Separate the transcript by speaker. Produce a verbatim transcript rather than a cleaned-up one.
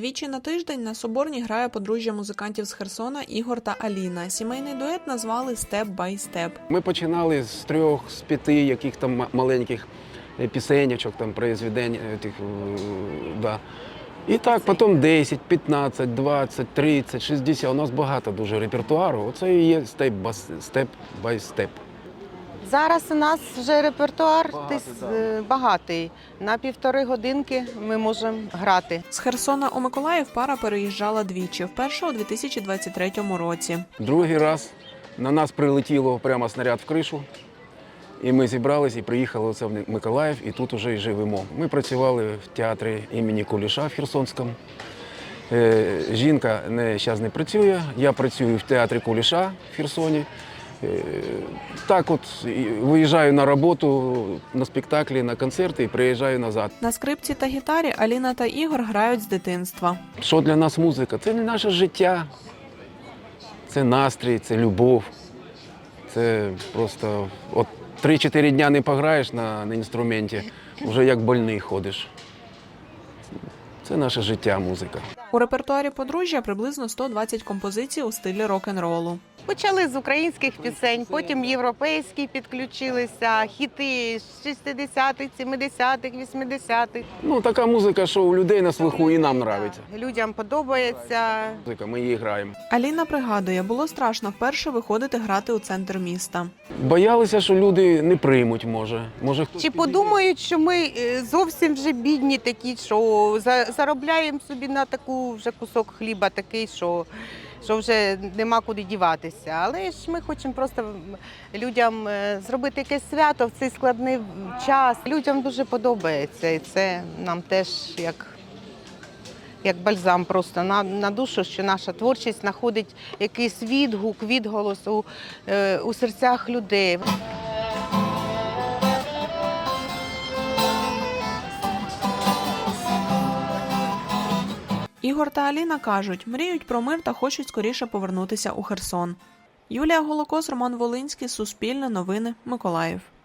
Speaker 1: Двічі на тиждень на Соборній грає подружжя музикантів з Херсона Ігор та Аліна. Сімейний дует назвали «Степ бай степ».
Speaker 2: Ми починали з трьох, з п'яти яких там маленьких пісенечок, там, произведень. Тих, да. І так, потім десять, п'ятнадцять, двадцять, тридцять, шістдесят. У нас багато дуже репертуару. Оце і є «Степ бай степ».
Speaker 3: Зараз у нас вже репертуар
Speaker 2: Багатий,
Speaker 3: десь,
Speaker 2: да.
Speaker 3: е, багатий. На півтори годинки ми можемо грати.
Speaker 1: З Херсона у Миколаїв пара переїжджала двічі. Вперше у дві тисячі двадцять третьому році.
Speaker 2: Другий раз на нас прилетіло прямо снаряд в кришу. І ми зібралися і приїхали оце в Миколаїв, і тут вже і живемо. Ми працювали в театрі імені Куліша в Херсонському. Е, жінка не, зараз не працює, я працюю в театрі Куліша в Херсоні. Е, так от виїжджаю на роботу, на спектаклі, на концерти і приїжджаю назад.
Speaker 1: На скрипці та гітарі Аліна та Ігор грають з дитинства.
Speaker 2: Що для нас музика? Це не наше життя, це настрій, це любов. Це просто от три-чотири дня не пограєш на, на інструменті, вже як больний ходиш. Це наше життя, музика.
Speaker 1: У репертуарі подружжя приблизно сто двадцять композицій у стилі рок-н-ролу.
Speaker 3: Почали з українських пісень, потім європейські підключилися, хіти шістдесятих, сімдесятих, вісімдесятих.
Speaker 2: Ну, така музика, що у людей на слуху і нам подобається.
Speaker 3: Людям подобається.
Speaker 2: Музика, ми її граємо.
Speaker 1: Аліна пригадує, було страшно вперше виходити грати у центр міста.
Speaker 2: Боялися, що люди не приймуть, може. може хтось
Speaker 3: Чи
Speaker 2: підійде.
Speaker 3: подумають, що ми е, зовсім вже бідні такі, що за- заробляємо собі на таку вже кусок хліба такий, що, що вже нема куди діватися. Але ж ми хочемо просто людям е, зробити якесь свято в цей складний час. Людям дуже подобається, і це нам теж як, як бальзам просто на, на душу, що наша творчість знаходить якийсь відгук, відголос у, е, у серцях людей.
Speaker 1: Ігор та Аліна кажуть, мріють про мир та хочуть скоріше повернутися у Херсон. Юлія Голокос, Роман Волинський, Суспільне новини, Миколаїв.